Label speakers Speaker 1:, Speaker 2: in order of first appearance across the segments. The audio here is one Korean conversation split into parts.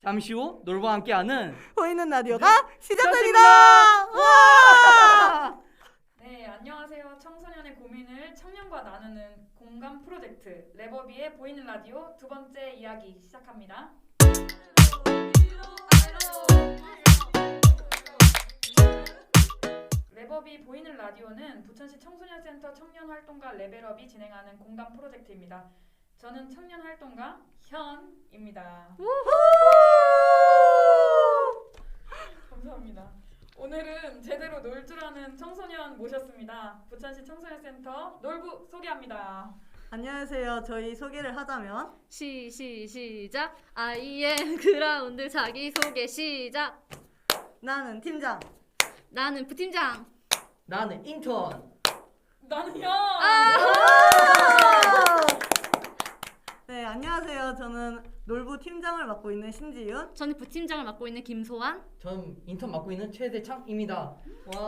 Speaker 1: 잠시 후 놀부와 함께하는
Speaker 2: 보이는 라디오가 시작됩니다.
Speaker 1: 와!
Speaker 3: 네, 안녕하세요. 청소년의 고민을 청년과 나누는 공감 프로젝트 레버비의 보이는 라디오 두 번째 이야기 시작합니다. 레버비 보이는 라디오는 부천시 청소년센터 청년활동가 레벨업이 진행하는 공감 프로젝트입니다. 저는 청년활동가 현입니다. 감사합니다. 오늘은 제대로 놀 줄 아는 청소년 모셨습니다. 부천시 청소년센터 놀부 소개합니다.
Speaker 2: 안녕하세요. 저희 소개를 하자면
Speaker 4: 시작. IN 그라운드 자기소개 시작.
Speaker 2: 나는 팀장.
Speaker 4: 나는 부팀장.
Speaker 1: 나는 인턴.
Speaker 3: 나는 현!
Speaker 2: 네, 안녕하세요. 저는 놀부 팀장을 맡고 있는 신지윤.
Speaker 4: 저는 부팀장을 맡고 있는 김소환.
Speaker 1: 전 인턴 맡고 있는 최대창입니다. 와.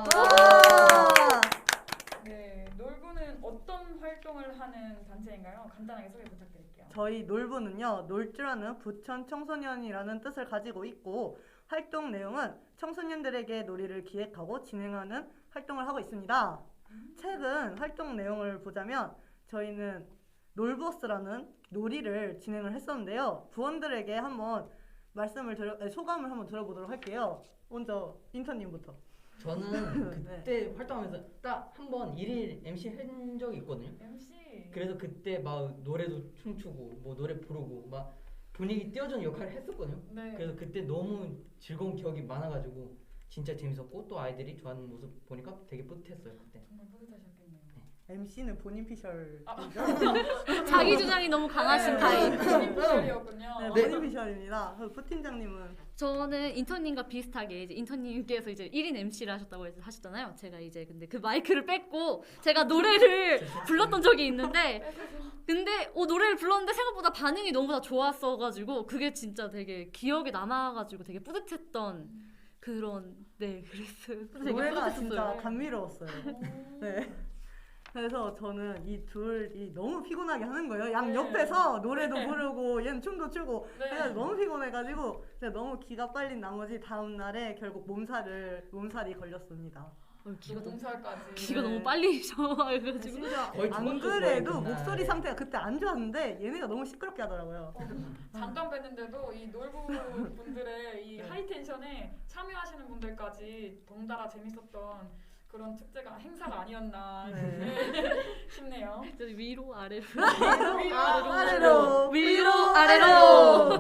Speaker 3: 네, 놀부는 어떤 활동을 하는 단체인가요? 간단하게 소개 부탁드릴게요.
Speaker 2: 저희 놀부는요, 놀 줄 아는 부천 청소년이라는 뜻을 가지고 있고 활동 내용은 청소년들에게 놀이를 기획하고 진행하는 활동을 하고 있습니다. 최근 활동 내용을 보자면 저희는 놀버스라는 놀이를 진행을 했었는데요. 부원들에게 한번 소감을 한번 들어보도록 할게요. 먼저 인턴님부터.
Speaker 1: 저는
Speaker 2: 네.
Speaker 1: 그때 활동하면서 딱 한 번 1일 MC 한 적이 있거든요.
Speaker 3: MC.
Speaker 1: 그래서 그때 막 노래도 춤추고 뭐 노래 부르고 막 분위기 띄워주는 역할을 했었거든요.
Speaker 3: 네.
Speaker 1: 그래서 그때 너무 즐거운 기억이 많아가지고 진짜 재밌었고 또 아이들이 좋아하는 모습 보니까 되게 뿌듯했어요 그때.
Speaker 3: 정말 뿌듯하셨겠네요.
Speaker 2: MC는 본인 피셜.
Speaker 4: 자기 주장이 너무 강하신 타입.
Speaker 3: 피셜이었군요.
Speaker 2: 네, 본인 피셜입니다. 그리고 부팀장님은
Speaker 4: 저는 인턴님과 비슷하게 이제 인턴님께서 이제 1인 MC를 하셨다고 하셨잖아요. 제가 이제 근데 그 마이크를 뺏고 제가 노래를 불렀던 적이 있는데 근데 노래를 불렀는데 생각보다 반응이 너무 다 좋았어가지고 그게 진짜 되게 기억에 남아가지고 되게 뿌듯했던 그런 그랬어요. 되게
Speaker 2: 노래가
Speaker 4: 뿌듯했어요.
Speaker 2: 진짜 감미로웠어요. 네. 그래서 저는 이 둘이 너무 피곤하게 하는 거예요. 양
Speaker 3: 네.
Speaker 2: 옆에서 노래도 부르고 얘는 춤도 추고
Speaker 3: 네.
Speaker 2: 그래서 너무 피곤해가지고 제가 너무 기가 빨린 나머지 다음 날에 결국 몸살이 걸렸습니다.
Speaker 4: 기가 너무
Speaker 3: 몸살까지.
Speaker 4: 기가
Speaker 2: 네.
Speaker 4: 너무 빨리 셔가지고
Speaker 2: 심지어
Speaker 1: 거의
Speaker 2: 안
Speaker 1: 죽었죠,
Speaker 2: 그래도
Speaker 1: 거의 그날.
Speaker 2: 목소리 상태가 그때 안 좋았는데 얘네가 너무 시끄럽게 하더라고요.
Speaker 3: 잠깐 뵀는데도 이 놀부 분들의 이
Speaker 2: 네.
Speaker 3: 하이텐션에 참여하시는 분들까지 덩달아 재밌었던 그런 축제가 행사가 아니었나 싶네요.
Speaker 4: 위로 아래로
Speaker 2: 아래로
Speaker 4: 위로 아래로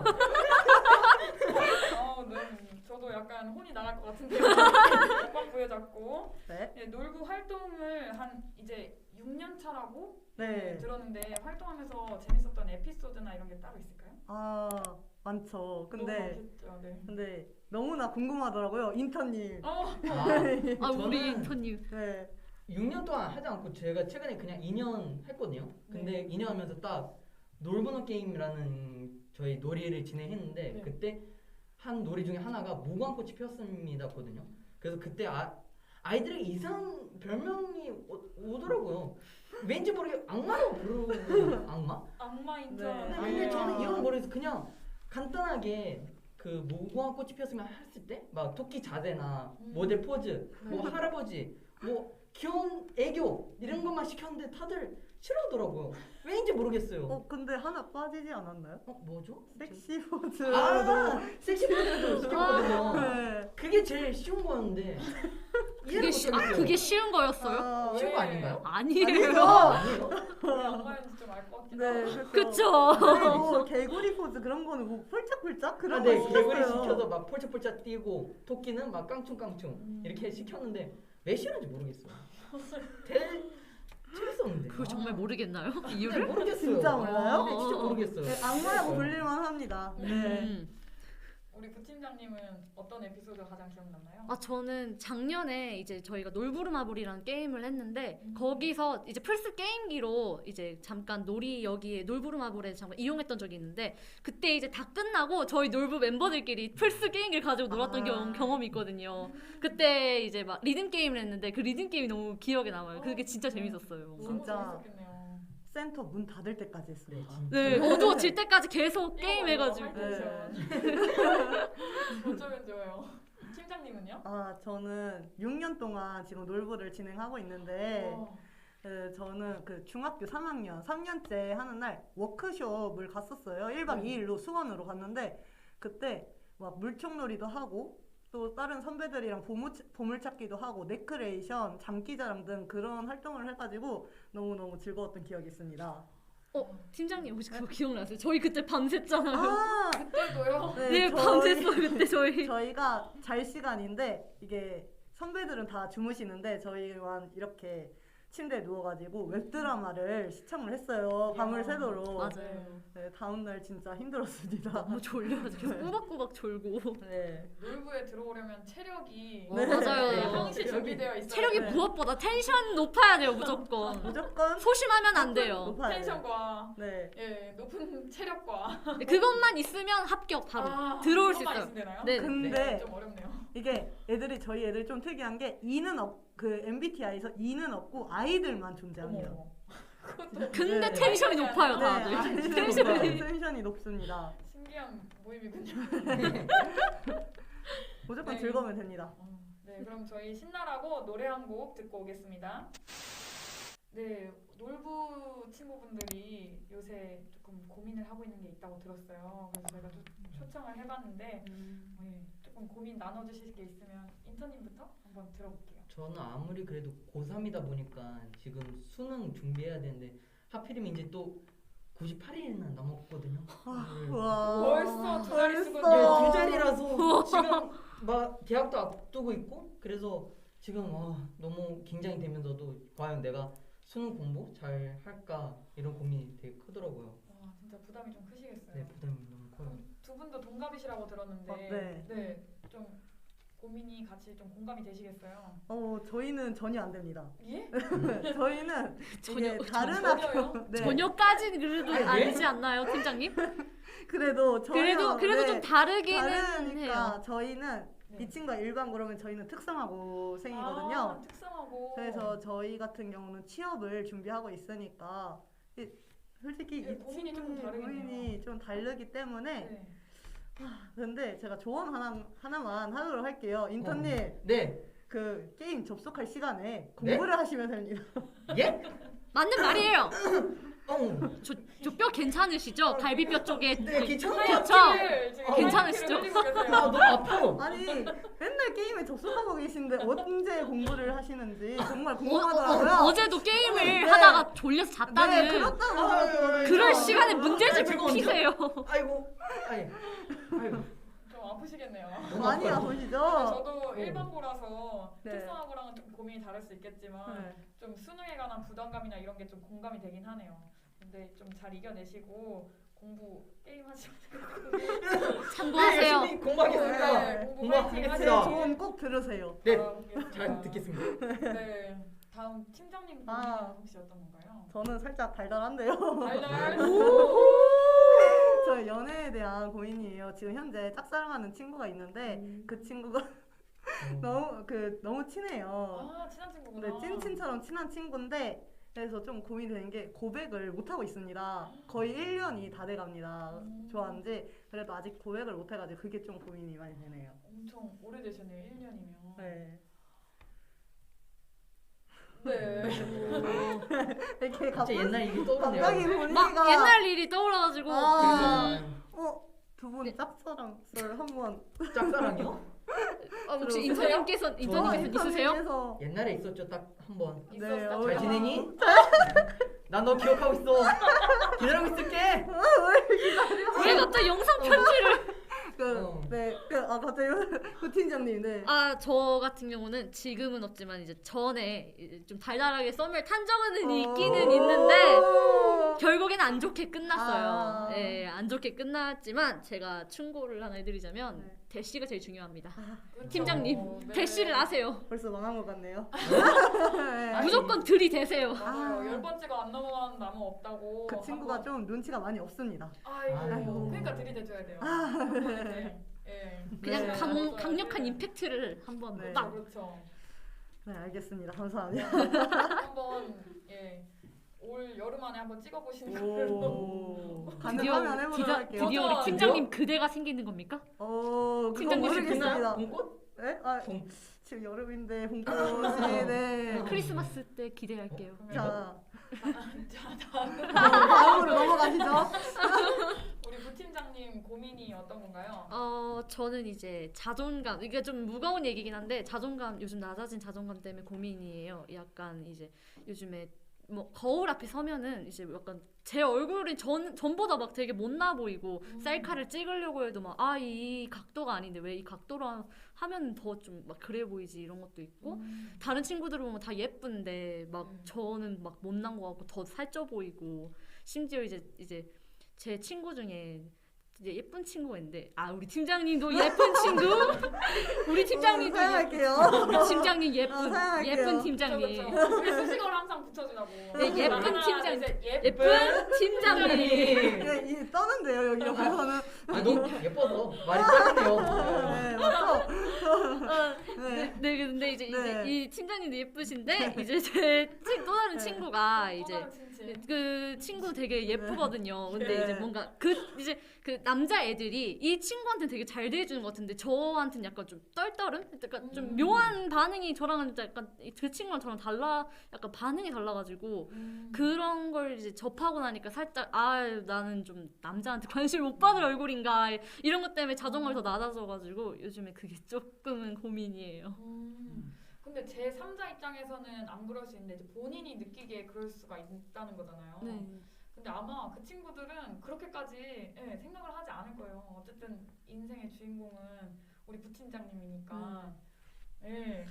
Speaker 3: 네. 저도 약간 혼이 나갈 것 같은데요. 꽉 부여잡고.
Speaker 2: 네.
Speaker 3: 네, 놀부 활동을 한 이제 6년 차라고
Speaker 2: 네.
Speaker 3: 들었는데 활동하면서 재밌었던 에피소드나 이런 게 따로 있을까요?
Speaker 2: 아 많죠.
Speaker 3: 너무 많겠죠, 네.
Speaker 2: 근데 너무나 궁금하더라고요. 인턴님.
Speaker 4: 아
Speaker 1: 저는
Speaker 4: 우리 인턴님
Speaker 2: 네.
Speaker 1: 6년 동안 하지 않고 제가 최근에 그냥 2년 했거든요. 근데 2년 하면서 딱 놀보는 게임이라는 저희 놀이를 진행했는데
Speaker 3: 네.
Speaker 1: 그때 한 놀이 중에 하나가 무궁화꽃이 피었습니다거든요. 그래서 그때 아이들에게 이상한 별명이 오더라고요. 왠지 모르게 악마라고 부르고
Speaker 3: 악마
Speaker 2: 네.
Speaker 3: 인턴.
Speaker 1: 근데 저는 이건 모르겠어. 그냥 간단하게 그 무궁화꽃이 피었으면 했을 때 막 토끼 자세나 모델 포즈, 뭐 할아버지, 뭐 귀여운 애교 이런 것만 시켰는데 다들 싫어하더라고요. 왜인지 모르겠어요.
Speaker 2: 근데 하나 빠지지 않았나요?
Speaker 1: 뭐죠?
Speaker 2: 섹시 포즈.
Speaker 1: 섹시 포즈도 시켰거든요.
Speaker 2: 네.
Speaker 1: 그게 제일 쉬운 거였는데 이해를 못하겠어요.
Speaker 4: 그게 쉬운 거였어요?
Speaker 1: 쉬운 거 아닌가요?
Speaker 4: 아니에요.
Speaker 1: 아니에요?
Speaker 3: 왜 악마인지 좀 알 것 같기도
Speaker 2: 네,
Speaker 3: 하고.
Speaker 4: 그쵸.
Speaker 2: 그리고 개구리 포즈 그런 거는 뭐 폴짝폴짝 그런 거
Speaker 1: 네,
Speaker 2: 시켰어요.
Speaker 1: 개구리 시켜서 막 폴짝폴짝 뛰고 토끼는 막 깡충깡충 이렇게 시켰는데 왜 싫은지 모르겠어요. 재밌었는데.
Speaker 4: 그거 정말 모르겠나요?
Speaker 1: 네,
Speaker 4: 이유를?
Speaker 1: 모르겠어요.
Speaker 2: 진짜 몰라요?
Speaker 1: 네, 진짜 모르겠어요.
Speaker 2: 네, 악마라고 불릴만 합니다. 네.
Speaker 3: 우리 부팀장님은 어떤 에피소드가 가장 기억났나요?
Speaker 4: 저는 작년에 이제 저희가 놀부르마블이라는 게임을 했는데 거기서 이제 플스 게임기로 이제 잠깐 놀이 여기에 놀부르마블에 잠깐 이용했던 적이 있는데 그때 이제 다 끝나고 저희 놀부 멤버들끼리 플스 게임기를 가지고 놀았던 경험이 있거든요. 그때 이제 막 리듬 게임을 했는데 그 리듬 게임이 너무 기억에 남아요. 그게 진짜 재밌었어요.
Speaker 3: 너무
Speaker 2: 진짜.
Speaker 3: 재밌었겠네요.
Speaker 2: 센터 문 닫을 때까지 했습니다.
Speaker 4: 네, 어두워질 때까지 계속 게임 해가지고.
Speaker 3: 하이텐션. 어쩌면 좋아요. 팀장님은요?
Speaker 2: 아, 저는 6년 동안 지금 놀부를 진행하고 있는데 저는 그 중학교 3학년, 3년째 하는 날 워크숍을 갔었어요. 1박 2일로 수원으로 갔는데 그때 막 물총놀이도 하고 또 다른 선배들이랑 보물찾기도 하고 네크레이션, 장기자랑 등 그런 활동을 해가지고 너무너무 즐거웠던 기억이 있습니다.
Speaker 4: 팀장님 혹시 그거 기억나세요? 저희 그때 밤샜잖아요.
Speaker 2: 아,
Speaker 3: 그때도요?
Speaker 4: 네, 밤샜어요 그때 저희.
Speaker 2: 저희가 잘 시간인데 이게 선배들은 다 주무시는데 저희만 이렇게 침대에 누워가지고 웹드라마를 시청을 했어요. 밤을 새도록.
Speaker 4: 맞아요.
Speaker 2: 네, 다음날 진짜 힘들었습니다.
Speaker 4: 너무 졸려가지고 계속 꼬박꼬박 졸고.
Speaker 2: 네.
Speaker 3: 놀부에 들어오려면 체력이
Speaker 4: 네. 맞아요.
Speaker 3: 네, 항시 준비되어 있어요.
Speaker 4: 체력이
Speaker 2: 네.
Speaker 4: 무엇보다 텐션 높아야 돼요 무조건.
Speaker 2: 무조건
Speaker 4: 소심하면 안 돼요.
Speaker 2: 높아야 돼요.
Speaker 3: 텐션과
Speaker 2: 네.
Speaker 3: 예, 높은 체력과
Speaker 4: 그것만 있으면 합격 바로 들어올 수
Speaker 3: 그것만
Speaker 4: 있어요.
Speaker 3: 있으면 되나요?
Speaker 4: 네.
Speaker 2: 근데
Speaker 3: 좀 어렵네요.
Speaker 2: 이게 저희 애들 좀 특이한 게 그 MBTI에서 E는 없고 아이들만 존재합니다.
Speaker 3: 어머.
Speaker 4: 근데
Speaker 2: 네.
Speaker 4: 텐션이 높아요
Speaker 2: 네,
Speaker 4: 다들.
Speaker 2: 아이들만
Speaker 4: 텐션이.
Speaker 2: 텐션이 높습니다.
Speaker 3: 신기한 모임이군요.
Speaker 2: 무조건
Speaker 3: 네.
Speaker 2: 즐거우면 됩니다.
Speaker 3: 네, 그럼 저희 신나라고 노래 한 곡 듣고 오겠습니다. 네, 놀부 친구분들이 요새 조금 고민을 하고 있는 게 있다고 들었어요. 그래서 제가 초청을 해봤는데 네, 조금 고민 나눠주실 게 있으면 인턴님부터 한번 들어볼게요.
Speaker 1: 저는 아무리 그래도 고3이다 보니까 지금 수능 준비해야 되는데 하필이면 이제 또 98일이나 남았거든요.
Speaker 2: 와.
Speaker 3: 벌써 두 자리 쓰고
Speaker 1: 네,
Speaker 2: 벌써.
Speaker 1: 두 자리라서 지금 막 대학도 앞두고 있고 그래서 지금 너무 긴장이 되면서도 과연 내가 수능 공부 잘 할까 이런 고민이 되게 크더라고요.
Speaker 3: 와, 진짜 부담이 좀 크시겠어요.
Speaker 1: 네, 부담이 너무 커요.
Speaker 3: 두 분도 동갑이시라고 들었는데
Speaker 2: 네.
Speaker 3: 좀 고민이 같이 좀 공감이 되시겠어요?
Speaker 2: 저희는 전혀 안 됩니다.
Speaker 3: 예?
Speaker 2: 저희는
Speaker 4: 전혀-
Speaker 2: 이게 다른
Speaker 3: 전혀요?
Speaker 2: 학교 네.
Speaker 4: 전혀까지는 그래도
Speaker 1: 아니, 왜?
Speaker 4: 아니지 않나요 팀장님?
Speaker 2: 그래도 전혀
Speaker 4: 그래도
Speaker 2: 네.
Speaker 4: 좀 다르기는
Speaker 2: 다르니까
Speaker 4: 해요.
Speaker 2: 저희는
Speaker 3: 네.
Speaker 2: 이 친구가 일반 그러면 저희는 특성화고생이거든요.
Speaker 3: 아, 특성하고.
Speaker 2: 그래서 저희 같은 경우는 취업을 준비하고 있으니까 솔직히
Speaker 3: 네,
Speaker 2: 이
Speaker 3: 고민이 조금
Speaker 2: 친구의
Speaker 3: 다르겠네요.
Speaker 2: 고민이 좀 다르기 때문에
Speaker 3: 네.
Speaker 2: 근데 제가 조언 하나만 하도록 할게요. 인턴님
Speaker 1: 네.
Speaker 2: 그 게임 접속할 시간에 공부를 하시면 됩니다.
Speaker 1: 예?
Speaker 4: 맞는 말이에요.
Speaker 1: 어.
Speaker 4: 저 뼈 괜찮으시죠? 갈비뼈 쪽에
Speaker 1: 네, 괜찮아요.
Speaker 4: 그렇죠?
Speaker 3: 하얗게 지금
Speaker 4: 괜찮으시죠?
Speaker 3: 하얗게 흘리고 계세요.
Speaker 1: 너무 아파.
Speaker 2: 아니 맨날 게임에 접속하고 계신데 언제 공부를 하시는지 정말 궁금하더라고요.
Speaker 4: 어제도 게임을
Speaker 2: 네.
Speaker 4: 하다가 졸려서 잤다는
Speaker 2: 네, 그렇다고
Speaker 4: 그럴
Speaker 1: 아,
Speaker 4: 시간에 문제집
Speaker 1: 즐거운데?
Speaker 4: 피세요.
Speaker 1: 아이고. 아이고.
Speaker 3: 좀 아프시겠네요.
Speaker 2: 많이
Speaker 3: 근데
Speaker 2: 아프시죠?
Speaker 3: 저도 일반고라서
Speaker 2: 네.
Speaker 3: 특성하고랑은 좀 고민이 다를 수 있겠지만
Speaker 2: 네.
Speaker 3: 좀 수능에 관한 부담감이나 이런 게 좀 공감이 되긴 하네요. 근데 좀 잘 이겨내시고 공부 게임 하시면
Speaker 4: 참고하세요.
Speaker 1: 열심히 공부하겠습니다.
Speaker 3: 네, 공부
Speaker 2: 제
Speaker 1: 공부하겠습니다.
Speaker 2: 조언 꼭 들으세요.
Speaker 1: 네,
Speaker 3: 바라보겠습니다.
Speaker 1: 잘 듣겠습니다.
Speaker 3: 네, 다음 팀장님 고민 혹시 어떤 건가요?
Speaker 2: 저는 살짝 달달한데요.
Speaker 3: 달달.
Speaker 2: 저 연애에 대한 고민이에요. 지금 현재 짝사랑하는 친구가 있는데 그 친구가 너무 친해요.
Speaker 3: 아, 친한 친구구나.
Speaker 2: 네, 찐친처럼 친한 친구인데 그래서 좀 고민되는 게 고백을 못 하고 있습니다. 거의 1년이 다 돼갑니다. 좋아한지 그래도 아직 고백을 못 해가지고 그게 좀 고민이 많이 되네요.
Speaker 3: 엄청 오래되셨네요. 1년이면.
Speaker 2: 네.
Speaker 3: 네.
Speaker 2: 이렇게
Speaker 1: 갑자기 옛날 일이 떠오르네요.
Speaker 2: 갑자기
Speaker 4: 막
Speaker 2: 보니까
Speaker 4: 옛날 일이 떠올라가지고
Speaker 2: 두 분 짝사랑 썰 한번
Speaker 1: 짝사랑이요?
Speaker 4: 혹시
Speaker 3: 들어보세요?
Speaker 4: 인턴님께서 있으세요?
Speaker 2: 인터넷에서
Speaker 1: 옛날에 있었죠, 딱 한 번.
Speaker 2: 네,
Speaker 3: 있었어.
Speaker 1: 잘 지내니? 난 너 기억하고 있어. 기다리고 있을게.
Speaker 4: 왜 갑자기 영상 편지를?
Speaker 2: 갑자기 그 팀장님, 네.
Speaker 4: 저 같은 경우는 지금은 없지만 이제 전에 이제 좀 달달하게 썸을 탄 적은 있기는 있는데 결국에는 안 좋게 끝났어요. 네, 안 좋게 끝났지만 제가 충고를 하나 해드리자면
Speaker 2: 네.
Speaker 4: 대시가 제일 중요합니다.
Speaker 3: 그렇죠.
Speaker 4: 팀장님,
Speaker 3: 네.
Speaker 4: 대시를 아세요.
Speaker 2: 벌써 망한 것 같네요.
Speaker 4: 무조건 들이대세요.
Speaker 3: 맞아요. 10번째가 안 넘어가는 나무 없다고.
Speaker 2: 그 친구가
Speaker 3: 한번-
Speaker 2: 좀 눈치가 많이 없습니다.
Speaker 3: 아이고. 그러니까 들이대줘야 돼요. 네. 예.
Speaker 4: 그냥
Speaker 2: 네.
Speaker 4: 강력한 임팩트를 한번
Speaker 2: 네.
Speaker 4: 딱.
Speaker 3: 그렇죠.
Speaker 2: 네, 알겠습니다. 감사합니다.
Speaker 3: 한번 올 여름 안에 한번 찍어보시는 걸로.
Speaker 2: 가능하면 해보도록 할게요.
Speaker 4: 드디어 우리 팀장님 그대가 생기는 겁니까? 팀장님
Speaker 2: 모르겠습니다.
Speaker 1: 봄꽃?
Speaker 2: 네? 아,
Speaker 1: 봄.
Speaker 2: 지금 여름인데 봄꽃이 네.
Speaker 4: 크리스마스 때 기대할게요.
Speaker 2: 자,
Speaker 3: 자, 다음
Speaker 2: 다음으로 넘어가시죠.
Speaker 3: 우리 부팀장님 고민이 어떤 건가요?
Speaker 4: 저는 이제 자존감, 이게 좀 무거운 얘기긴 한데 자존감, 요즘 낮아진 자존감 때문에 고민이에요. 약간 이제 요즘에 뭐 거울 앞에 서면은 이제 약간 제 얼굴이 전보다 막 되게 못나 보이고 셀카를 찍으려고 해도 막 이 각도가 아닌데 왜 이 각도로 하면 더 좀 막 그래 보이지 이런 것도 있고 다른 친구들 보면 다 예쁜데 막 저는 막 못난 거 같고 더 살쪄 보이고 심지어 이제 제 친구 중에 이제 예쁜 친구가 있는데 우리 팀장님도 예쁜 친구 우리 팀장님도
Speaker 2: 사용할게요.
Speaker 4: 우리 팀장님
Speaker 2: 사용할게요.
Speaker 4: 예쁜 팀장님
Speaker 3: 그쵸. 우리 수식어를 항상 붙여주라고.
Speaker 4: 네, 예쁜
Speaker 3: 하나,
Speaker 4: 팀장.
Speaker 3: 둘, 셋,
Speaker 4: 예쁜 팀장님
Speaker 2: 네, 이 떠는데요 여기 옆에서는.
Speaker 1: 너무 예뻐서 말이 짧네요.
Speaker 2: 네, 맞죠? 네.
Speaker 4: 네 근데 이제
Speaker 2: 네.
Speaker 4: 이 팀장님도 예쁘신데 이제 제 또 다른
Speaker 2: 네.
Speaker 4: 친구가
Speaker 3: 또
Speaker 4: 이제
Speaker 3: 다른 친친.
Speaker 4: 그 친구 되게 예쁘거든요. 근데
Speaker 2: 네.
Speaker 4: 이제 뭔가 그 남자 애들이 이 친구한테 되게 잘 대해주는 것 같은데 저한테는 약간 좀 떨떠름? 약간 좀 묘한 반응이 저랑은 약간 그 친구랑 저랑 약간 반응이 달라가지고 그런 걸 이제 접하고 나니까 살짝 나는 좀 남자한테 관심 못 받을 얼굴인가 이런 것 때문에 자존감이 더 낮아져가지고 요즘에 그게 조금은 고민이에요.
Speaker 3: 근데 제 3자 입장에서는 안 그럴 수 있는데 이제 본인이 느끼기에 그럴 수가 있다는 거잖아요.
Speaker 4: 네.
Speaker 3: 근데 아마 그 친구들은 그렇게까지 생각을 하지 않을 거예요. 어쨌든 인생의 주인공은 우리 부팀장님이니까. 예.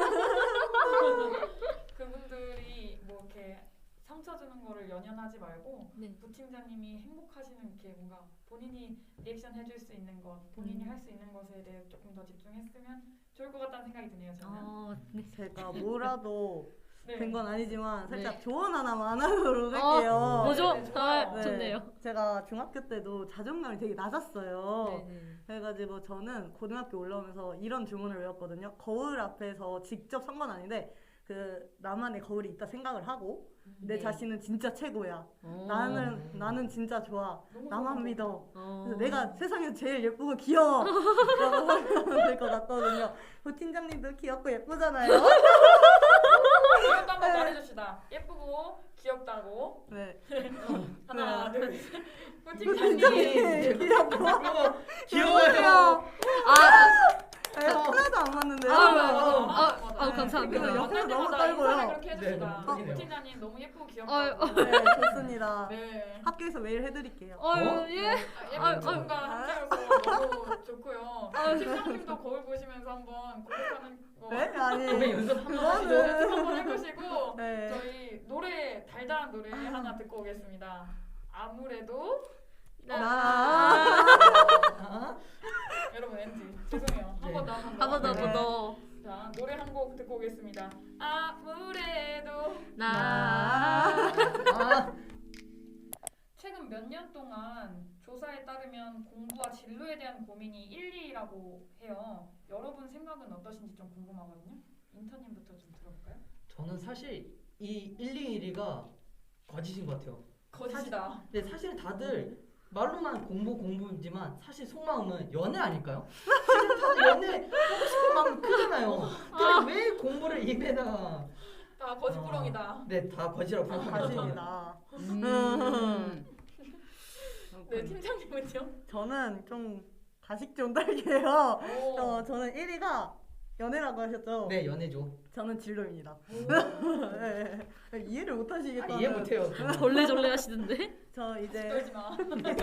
Speaker 3: 그분들이 뭐 이렇게 상처 주는 거를 연연하지 말고
Speaker 4: 네.
Speaker 3: 부팀장님이 행복하시는 이렇게 뭔가 본인이 리액션 해줄 수 있는 것, 본인이 할 수 있는 것에 대해 조금 더 집중했으면 좋을 것 같다는 생각이 드네요. 저는.
Speaker 4: 네.
Speaker 2: 제가 뭐라도
Speaker 3: 네.
Speaker 2: 된 건 아니지만 살짝
Speaker 4: 네.
Speaker 2: 조언 하나만 하도록 할게요.
Speaker 4: 뭐죠?
Speaker 3: 네, 좋아요.
Speaker 2: 네.
Speaker 4: 좋네요.
Speaker 2: 제가 중학교 때도 자존감이 되게 낮았어요.
Speaker 4: 네.
Speaker 2: 그래가지고 저는 고등학교 올라오면서 이런 주문을 외웠거든요. 거울 앞에서 직접 선 건 아닌데 그 나만의 거울이 있다 생각을 하고 내
Speaker 4: 네.
Speaker 2: 자신은 진짜 최고야.
Speaker 4: 어.
Speaker 2: 나는 진짜 좋아.
Speaker 3: 너무
Speaker 2: 나만
Speaker 3: 좋은
Speaker 2: 믿어.
Speaker 4: 어.
Speaker 2: 그래서 내가 세상에서 제일 예쁘고 귀여워. 라고 하면 될 것 같거든요. 부팀장님도 귀엽고 예쁘잖아요.
Speaker 3: 이것도 한번 말해줍시다. 예쁘고 귀엽다고.
Speaker 2: 네.
Speaker 3: 하나, 둘, 셋.
Speaker 2: 부팀장님
Speaker 3: 부팀장님.
Speaker 2: 귀엽고
Speaker 1: 귀여워요.
Speaker 2: 네, 하나도 안 맞는데요.
Speaker 4: 감사합니다.
Speaker 2: 그리고 옆에서 너무
Speaker 3: 인사를
Speaker 2: 떨고요.
Speaker 3: 그렇게 해주시다.
Speaker 1: 네, 너무
Speaker 3: 부팀장님 너무 예쁘고 귀엽다고.
Speaker 2: 네, 좋습니다.
Speaker 3: 네.
Speaker 2: 학교에서 메일 해드릴게요.
Speaker 4: 예.
Speaker 3: 예쁜 친구가 함께여서 너무 좋고요. 팀장님도 거울 보시면서 한번 고백하는 거
Speaker 2: 네? 아니
Speaker 1: 고백 연습 한번 하시죠.
Speaker 3: 연습 한번 해보시고
Speaker 2: 네.
Speaker 3: 저희 노래 달달한 노래 하나 듣고 오겠습니다. 아무래도 여러분 NG 죄송해요. 한 번 더.
Speaker 4: 한 번 더.
Speaker 3: 자 노래 한 곡 듣고 오겠습니다. 아무래도 최근 몇 년 동안 조사에 따르면 공부와 진로에 대한 고민이 1, 2라고 해요. 여러분 생각은 어떠신지 좀 궁금하거든요. 인턴님부터 좀 들어볼까요?
Speaker 1: 저는 사실 이 1, 2, 1위가 거짓인 것 같아요.
Speaker 3: 거짓이다.
Speaker 1: 근데 사실 다들 말로만 공부지만 사실 속마음은 연애 아닐까요? 사실 다들 연애 하고 싶은 마음 크잖아요. 근데 왜 공부를 입에다가
Speaker 3: 다 거짓부렁이다.
Speaker 1: 네, 다 거짓이라고 생각합니다.
Speaker 2: 가십니다.
Speaker 3: 네 팀장님은요?
Speaker 2: 저는 좀 가식 좀 딸게요.
Speaker 3: 오.
Speaker 2: 저는 1위가 연애라고 하셨죠?
Speaker 1: 네, 연애죠.
Speaker 2: 저는 진로입니다.
Speaker 3: 오.
Speaker 2: 네. 이해를 못 하시겠다는.
Speaker 1: 이해 못해요.
Speaker 4: 절레절레 하시던데?
Speaker 2: 저 이제
Speaker 3: 떨지 마.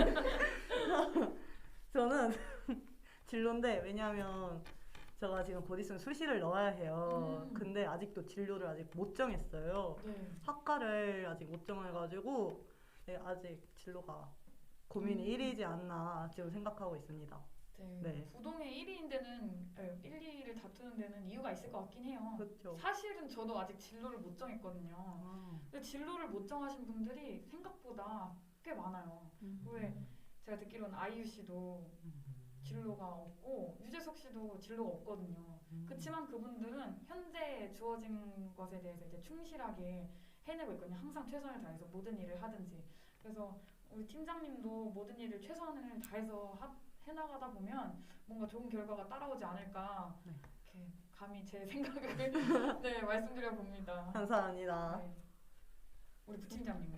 Speaker 2: 저는 진로인데 왜냐하면 제가 지금 곧 있으면 수시를 넣어야 해요. 근데 아직도 진로를 아직 못 정했어요.
Speaker 3: 네.
Speaker 2: 학과를 아직 못 정해가지고 네, 아직 진로가 고민이 1위지 않나 지금 생각하고 있습니다.
Speaker 3: 네.
Speaker 2: 네.
Speaker 3: 부동의 1위인 데는 1, 2를 다투는 데는 이유가 있을 것 같긴 해요.
Speaker 2: 그렇죠.
Speaker 3: 사실은 저도 아직 진로를 못 정했거든요. 근데 진로를 못 정하신 분들이 생각보다 꽤 많아요. 왜 제가 듣기로는 아이유 씨도 진로가 없고 유재석 씨도 진로가 없거든요. 그렇지만 그분들은 현재 주어진 것에 대해서 이제 충실하게 해내고 있거든요. 항상 최선을 다해서 모든 일을 하든지. 그래서 우리 팀장님도 모든 일을 최선을 다해서 해나가다 보면 뭔가 좋은 결과가 따라오지 않을까
Speaker 2: 네.
Speaker 3: 이렇게 감히 제 생각을 네 말씀드려 봅니다.
Speaker 2: 감사합니다.
Speaker 3: 네. 우리 부팀장님은요?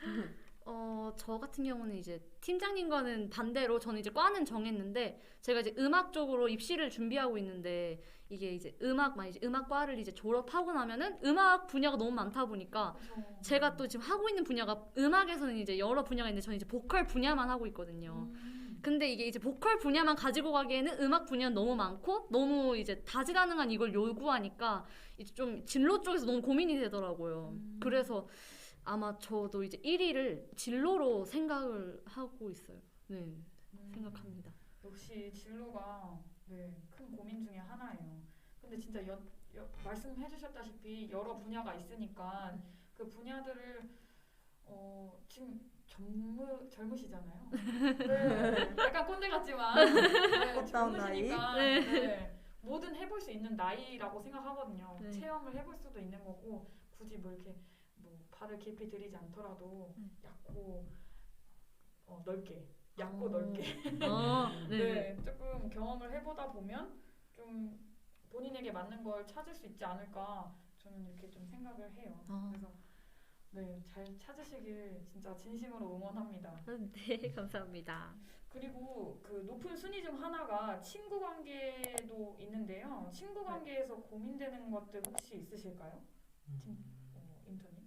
Speaker 4: 저 같은 경우는 이제 팀장님과는 반대로 저는 이제 과는 정했는데 제가 이제 음악 쪽으로 입시를 준비하고 있는데 이게 이제 이제 음악과를 이제 졸업하고 나면은 음악 분야가 너무 많다 보니까 제가 또 지금 하고 있는 분야가 음악에서는 이제 여러 분야가 있는데 저는 이제 보컬 분야만 하고 있거든요. 근데 이게 이제 보컬 분야만 가지고 가기에는 음악 분야는 너무 많고 너무 이제 다재다능한 이걸 요구하니까 이제 좀 진로 쪽에서 너무 고민이 되더라고요. 그래서 아마 저도 이제 1위를 진로로 생각을 하고 있어요. 네, 생각합니다.
Speaker 3: 역시 진로가 네, 큰 고민 중에 하나예요. 근데 진짜 말씀해주셨다시피 여러 분야가 있으니까 그 분야들을 지금 젊으시잖아요. 네, 약간 꼰대 같지만 네,
Speaker 2: 꽃다운 나이.
Speaker 3: 젊으시니까
Speaker 4: 네.
Speaker 3: 네, 뭐든 해볼 수 있는 나이라고 생각하거든요.
Speaker 4: 네.
Speaker 3: 체험을 해볼 수도 있는 거고 굳이 뭐 이렇게 뭐 발을 깊이 들이지 않더라도 얕고 넓게 얕고 넓게
Speaker 4: 네.
Speaker 3: 네, 조금 경험을 해보다 보면 좀 본인에게 맞는 걸 찾을 수 있지 않을까 저는 이렇게 좀 생각을 해요. 그래서 네, 잘 찾으시길 진짜 진심으로 응원합니다.
Speaker 4: 네, 감사합니다.
Speaker 3: 그리고 그 높은 순위 중 하나가 친구 관계도 있는데요. 친구 관계에서 고민되는 것들 혹시 있으실까요? 인턴님?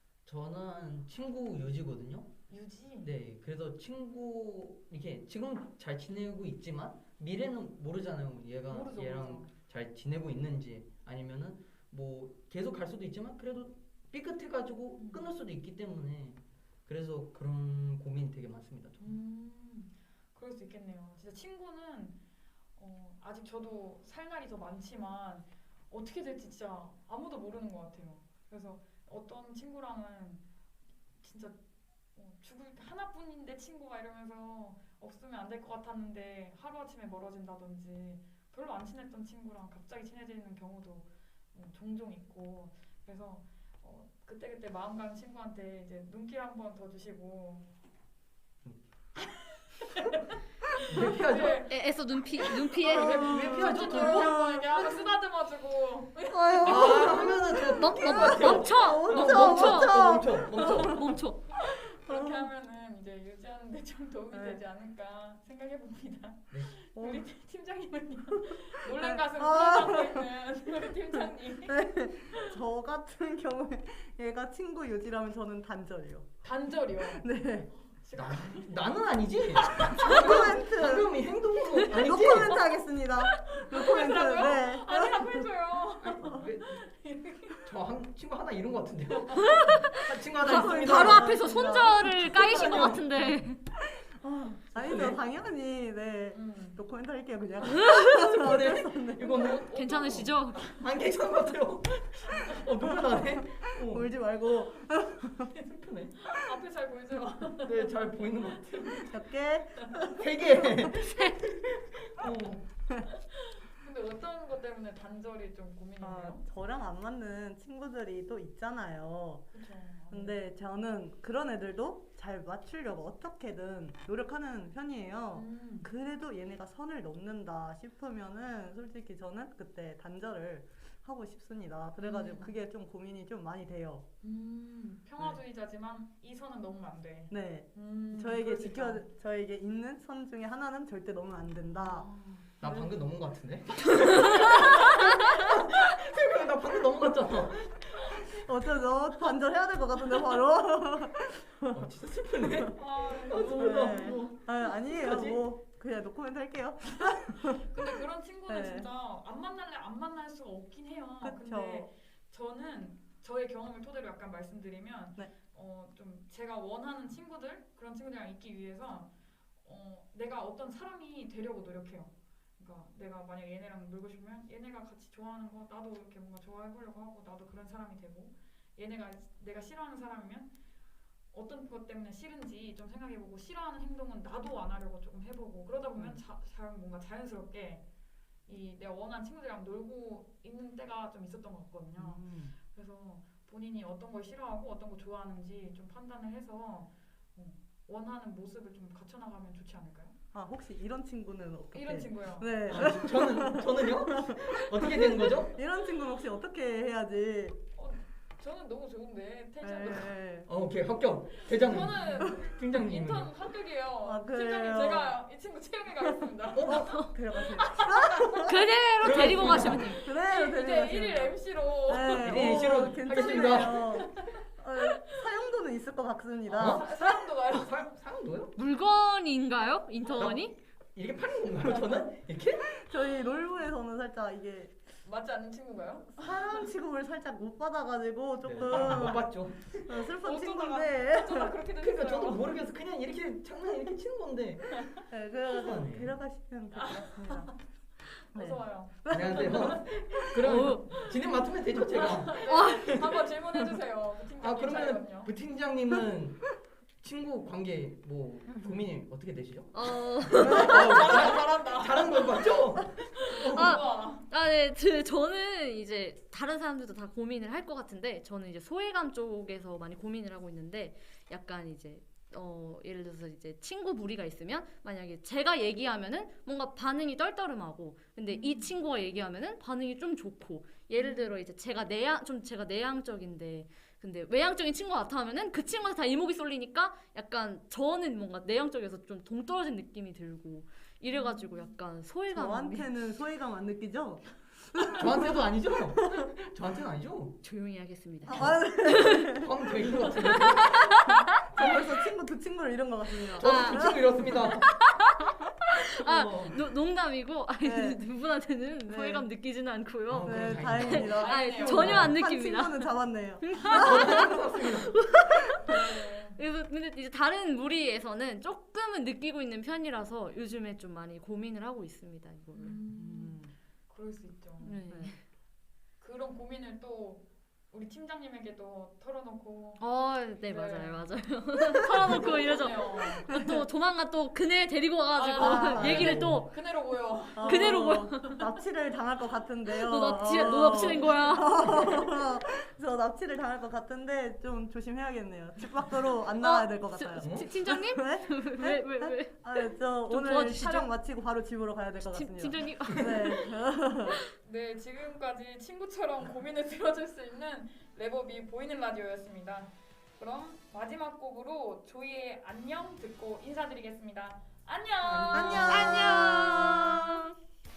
Speaker 1: 저는 친구 유지거든요.
Speaker 3: 유지?
Speaker 1: 네, 그래서 친구 이렇게 지금 잘 지내고 있지만 미래는 모르잖아요.
Speaker 3: 모르죠,
Speaker 1: 얘랑
Speaker 3: 모르죠.
Speaker 1: 잘 지내고 있는지 아니면은 뭐 계속 갈 수도 있지만 그래도 삐끗해가지고 끊을 수도 있기 때문에 그래서 그런 고민이 되게 많습니다. 저는.
Speaker 3: 그럴 수 있겠네요. 진짜 친구는 아직 저도 살 날이 더 많지만 어떻게 될지 진짜 아무도 모르는 것 같아요. 그래서 어떤 친구랑은 진짜 죽을 하나뿐인데 친구가 이러면서 없으면 안 될 것 같았는데 하루아침에 멀어진다든지 별로 안 친했던 친구랑 갑자기 친해지는 경우도 종종 있고 그래서 그때그때 마음 가는 친구한테 이제 눈길 한 번 더 주시고
Speaker 1: 왜 피하죠?
Speaker 3: 네.
Speaker 4: 애써 눈피해.
Speaker 1: 왜 피하죠?
Speaker 3: 저 한번 이렇게 하고 쓰다듬어주고
Speaker 2: 아유.
Speaker 1: 하면은 저
Speaker 4: 멈춰.
Speaker 3: 그렇게 하면은 이제 유지하는데 좀 도움이 되지 않을까 생각해 봅니다. 우리 팀장님은요? 놀란 가슴 풀어가고 있는 우리 팀장님.
Speaker 2: 저 같은 경우에 얘가 친구 유지라면 저는 단절이요.
Speaker 3: 단절이요.
Speaker 2: 네.
Speaker 1: 나는 아니지.
Speaker 2: 노코멘트.
Speaker 1: 방금 이 행동으로 아니지.
Speaker 2: 노코멘트 하겠습니다. 노코멘트.
Speaker 3: 그렇다고요?
Speaker 2: 네.
Speaker 3: 아니라고 해줘요.
Speaker 1: 저 친구 하나 잃은 것 같은데요. 한 친구 하나 있습니다.
Speaker 4: 바로 앞에서 손절을 까이신 것 같은데.
Speaker 2: 아니죠, 당연히. 네. 노코멘트 할게요, 그냥.
Speaker 1: 이거는
Speaker 4: 괜찮으시죠?
Speaker 1: 안 괜찮은 것 같아요. 눈물 나네.
Speaker 2: 울지 말고.
Speaker 1: 슬프네.
Speaker 3: 앞에 잘 보이죠?
Speaker 1: 네, 잘 보이는 것 같아요.
Speaker 2: 몇 개?
Speaker 1: 3개.
Speaker 3: 근데 어떤 것 때문에 단절이 좀 고민이에요?
Speaker 2: 저랑 안 맞는 친구들이 또 있잖아요.
Speaker 3: 그렇죠.
Speaker 2: 근데 저는 그런 애들도 잘 맞추려고 어떻게든 노력하는 편이에요. 그래도 얘네가 선을 넘는다 싶으면은 솔직히 저는 그때 단절을 하고 싶습니다. 그래가지고 그게 좀 고민이 좀 많이 돼요.
Speaker 3: 평화주의자지만 이 선은 넘으면 안 돼.
Speaker 2: 네.
Speaker 3: 그럴 수 있다.
Speaker 2: 저에게 있는 선 중에 하나는 절대 넘으면 안 된다.
Speaker 1: 나 방금 넘은 것 같은데? 나 방금 넘어갔잖아.
Speaker 2: 어쩌죠? 단절해야 될 것 같은데 바로.
Speaker 1: 진짜 슬프네.
Speaker 2: 아니에요.
Speaker 1: 어떡하지?
Speaker 2: 뭐 그냥 노코멘트 할게요.
Speaker 3: 근데 그런 친구는
Speaker 2: 네.
Speaker 3: 진짜 안 만날래 안 만날 수가 없긴 해요.
Speaker 2: 그쵸.
Speaker 3: 근데 저는 저의 경험을 토대로 약간 말씀드리면
Speaker 2: 네.
Speaker 3: 좀 제가 원하는 친구들 그런 친구들이랑 있기 위해서 내가 어떤 사람이 되려고 노력해요. 그러니까 내가 만약 얘네랑 놀고 싶으면 얘네가 같이 좋아하는 거 나도 이렇게 뭔가 좋아해보려고 하고 나도 그런 사람이 되고 얘네가 내가 싫어하는 사람이면 어떤 것 때문에 싫은지 좀 생각해보고 싫어하는 행동은 나도 안 하려고 조금 해보고 그러다 보면 뭔가 자연스럽게 이 내가 원하는 친구들이랑 놀고 있는 때가 좀 있었던 것 같거든요. 그래서 본인이 어떤 걸 싫어하고 어떤 걸 좋아하는지 좀 판단을 해서 원하는 모습을 좀 갖춰나가면 좋지 않을까요?
Speaker 2: 아 혹시 이런 친구는 어떻게?
Speaker 3: 이런 친구요.
Speaker 2: 네.
Speaker 1: 저는요? 어떻게 되는 거죠?
Speaker 2: 이런 친구는 혹시 어떻게 해야지?
Speaker 3: 저는 너무 좋은데 텐션도.
Speaker 2: 네.
Speaker 1: 오케이 합격. 대장님.
Speaker 3: 저는
Speaker 1: 팀장님.
Speaker 3: 인턴 합격이에요.
Speaker 2: 아, 그래요?
Speaker 3: 팀장님 제가 이 친구 채용해 가겠습니다.
Speaker 2: 데려가세요.
Speaker 4: 그대로 데리고 가시면 돼요.
Speaker 2: 그래요,
Speaker 3: 이제
Speaker 2: 데려가세요.
Speaker 3: 1일 MC로.
Speaker 2: 네,
Speaker 1: 네, MC로
Speaker 2: 괜찮네요. 사용도는 있을 것 같습니다.
Speaker 3: 사람도 가요.
Speaker 1: 사람도요?
Speaker 4: 물건인가요? 인턴이?
Speaker 1: 이렇게 파는 건가요? 저는 이렇게?
Speaker 2: 저희 롤부에서는 살짝 이게
Speaker 3: 맞지 않는 친구가요?
Speaker 2: 사람 취급을 살짝 못 받아가지고 조금
Speaker 1: 못 봤죠.
Speaker 2: 슬픈
Speaker 3: 어쩌다가-
Speaker 2: 친구인데.
Speaker 3: 어쩌다 그렇게
Speaker 1: 그러니까
Speaker 3: 됐어요.
Speaker 1: 저도 모르겠어. 그냥 이렇게 장난 이렇게 치는 건데.
Speaker 2: 네, 그래서
Speaker 1: 이상하네.
Speaker 2: 데려가시면 될 것 같습니다. 네.
Speaker 3: 어서 와요.
Speaker 1: 안녕하세요. 그럼 진행 맡으면 되죠 제가.
Speaker 3: 한번 질문해 주세요. 그 팀장님
Speaker 1: 아 그러면
Speaker 3: 자리거든요.
Speaker 1: 부 팀장님은 친구 관계 뭐 고민이 어떻게 되시죠?
Speaker 3: 잘한다.
Speaker 1: 잘한 거 맞죠?
Speaker 3: 우와.
Speaker 4: 네, 저는 이제 다른 사람들도 다 고민을 할 것 같은데 저는 이제 소외감 쪽에서 많이 고민을 하고 있는데 약간 이제 예를 들어서 이제 친구 무리가 있으면 만약에 제가 얘기하면은 뭔가 반응이 떨떠름하고 근데 이 친구가 얘기하면은 반응이 좀 좋고 예를 들어 이제 제가 내향적인데 근데 외향적인 친구가 나타나면은 그 친구한테 다 이목이 쏠리니까 약간 저는 뭔가 내향적이어서 좀 동떨어진 느낌이 들고 이래가지고 약간 소외감이
Speaker 2: 저한테는 소외감 안 느끼죠?
Speaker 1: 저한테도 아니죠? 저한테는 아니죠?
Speaker 4: 조용히 하겠습니다.
Speaker 1: 하면 될것 같은데.
Speaker 2: 저 벌써 두 친구를 잃은 것 같습니다.
Speaker 1: 저도 두 친구 잃었습니다.
Speaker 4: 농담이고
Speaker 2: 네.
Speaker 4: 누구한테는
Speaker 2: 네.
Speaker 4: 소외감 느끼지는 않고요.
Speaker 2: 네,
Speaker 1: 다행이다.
Speaker 2: 다행입니다.
Speaker 3: 다행이네요.
Speaker 4: 전혀 안
Speaker 2: 한
Speaker 4: 느낍니다.
Speaker 2: 친구는 잡았네요.
Speaker 4: 그래서 근데 이제 다른 무리에서는 조금은 느끼고 있는 편이라서 요즘에 좀 많이 고민을 하고 있습니다. 이거를.
Speaker 3: 그럴 수 있죠.
Speaker 4: 네.
Speaker 3: 그런 고민을 또 우리 팀장님에게도 털어놓고.
Speaker 4: 네 맞아요. 털어놓고 이러죠.
Speaker 3: 그러네요.
Speaker 4: 또 조만간 또 그네 데리고 와가지고
Speaker 2: 아,
Speaker 4: 얘기를
Speaker 1: 네.
Speaker 4: 또
Speaker 3: 그대로 보여.
Speaker 4: 그대로
Speaker 2: 납치를 당할 것 같은데요.
Speaker 4: 너 납치는 거야.
Speaker 2: 저 납치를 당할 것 같은데 좀 조심해야겠네요. 집 밖으로 안 나와야 될 것 같아요.
Speaker 4: 팀장님?
Speaker 2: 네?
Speaker 4: 왜?
Speaker 2: 저
Speaker 4: 좀
Speaker 2: 오늘
Speaker 4: 도와주시죠.
Speaker 2: 촬영 마치고 바로 집으로 가야 될 것 같습니다.
Speaker 4: 팀장님?
Speaker 2: 네.
Speaker 3: 네, 지금까지 친구처럼 고민을 들어줄 수 있는 레버비 보이는 라디오였습니다. 그럼 마지막 곡으로 조이의 안녕 듣고 인사드리겠습니다. 안녕.
Speaker 4: 안녕.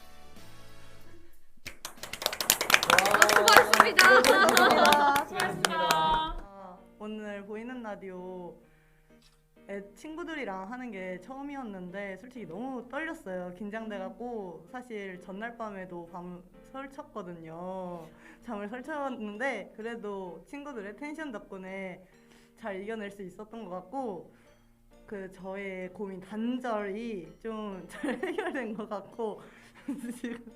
Speaker 2: 수고하셨습니다.
Speaker 3: 수고하셨습니다.
Speaker 2: 오늘 보이는 라디오 친구들이랑 하는 게 처음이었는데 솔직히 너무 떨렸어요. 긴장돼갖고 사실 전날 밤에도 밤 설쳤거든요. 잠을 설쳤는데 그래도 친구들의 텐션 덕분에 잘 이겨낼 수 있었던 것 같고 저의 고민 단절이 좀 잘 해결된 것 같고 지금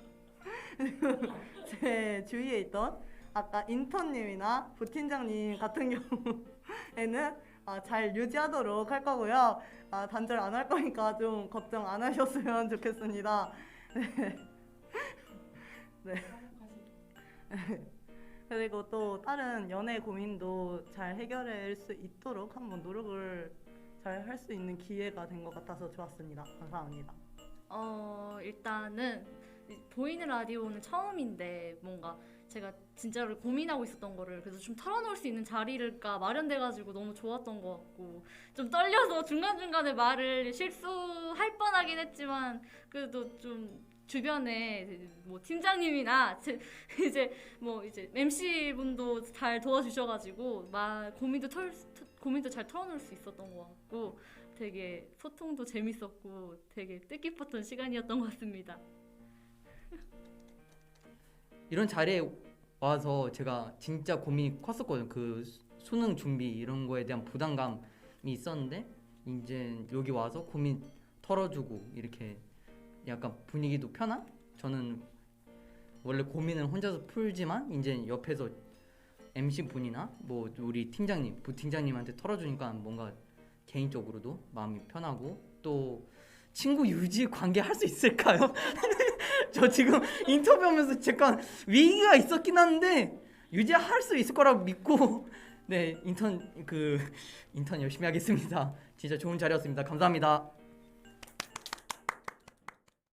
Speaker 2: 제 주위에 있던 아까 인턴님이나 부팀장님 같은 경우에는 잘 유지하도록 할 거고요. 단절 안 할 거니까 좀 걱정 안 하셨으면 좋겠습니다. 네. 그리고 또 다른 연애 고민도 잘 해결할 수 있도록 한번 노력을 잘 할 수 있는 기회가 된 것 같아서 좋았습니다. 감사합니다.
Speaker 4: 일단은 보이는 라디오는 처음인데 뭔가 제가 진짜로 고민하고 있었던 거를 그래서 좀 털어놓을 수 있는 자리가 마련돼가지고 너무 좋았던 것 같고 좀 떨려서 중간중간에 말을 실수할 뻔하긴 했지만 그래도 좀 주변에 뭐 팀장님이나 이제 MC 분도 잘 도와주셔가지고 고민도 잘 털어놓을 수 있었던 것 같고 되게 소통도 재밌었고 되게 뜻깊었던 시간이었던 것 같습니다.
Speaker 1: 이런 자리에 와서 제가 진짜 고민이 컸었거든요. 그 수능 준비 이런 거에 대한 부담감이 있었는데 이제 여기 와서 고민 털어주고 이렇게 약간 분위기도 편한? 저는 원래 고민을 혼자서 풀지만 이제 옆에서 MC 분이나 뭐 우리 팀장님, 부팀장님한테 털어주니까 뭔가 개인적으로도 마음이 편하고 또 친구 유지 관계 할 수 있을까요? 저 지금 인터뷰하면서 잠깐 위기가 있었긴 한데 유지할 수 있을 거라고 믿고 네 인턴 열심히 하겠습니다. 진짜 좋은 자리였습니다. 감사합니다.